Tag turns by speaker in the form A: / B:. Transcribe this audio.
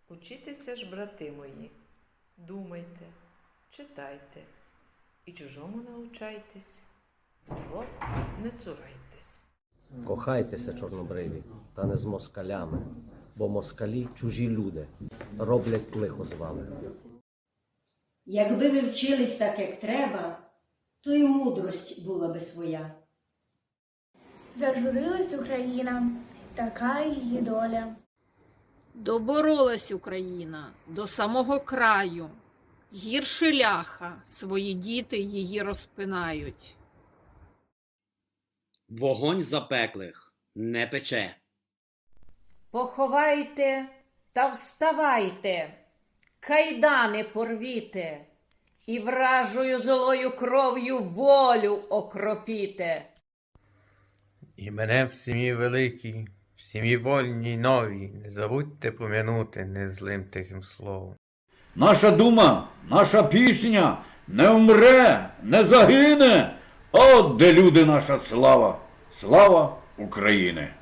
A: Учітеся ж, брати мої, думайте, читайте і чужому научайтесь, зло не цурайтесь.
B: Кохайтеся, чорнобриві, та не з москалями, бо москалі – чужі люди, роблять лихо з вами.
C: Якби ви вчились так, як треба, то й мудрость була би своя.
D: Зажурилась Україна, така її доля.
E: Доборолась Україна до самого краю. Гірше ляха, свої діти її розпинають.
F: Вогонь запеклих не пече.
G: Поховайте та вставайте, кайдани порвіте, і вражою злою кров'ю волю окропіте.
H: І мене в сім'ї великій, в сім'ї вольній новій, не забудьте пом'янути незлим тихим словом.
I: Наша дума, наша пісня не вмре, не загине. От де люди наша слава, слава України.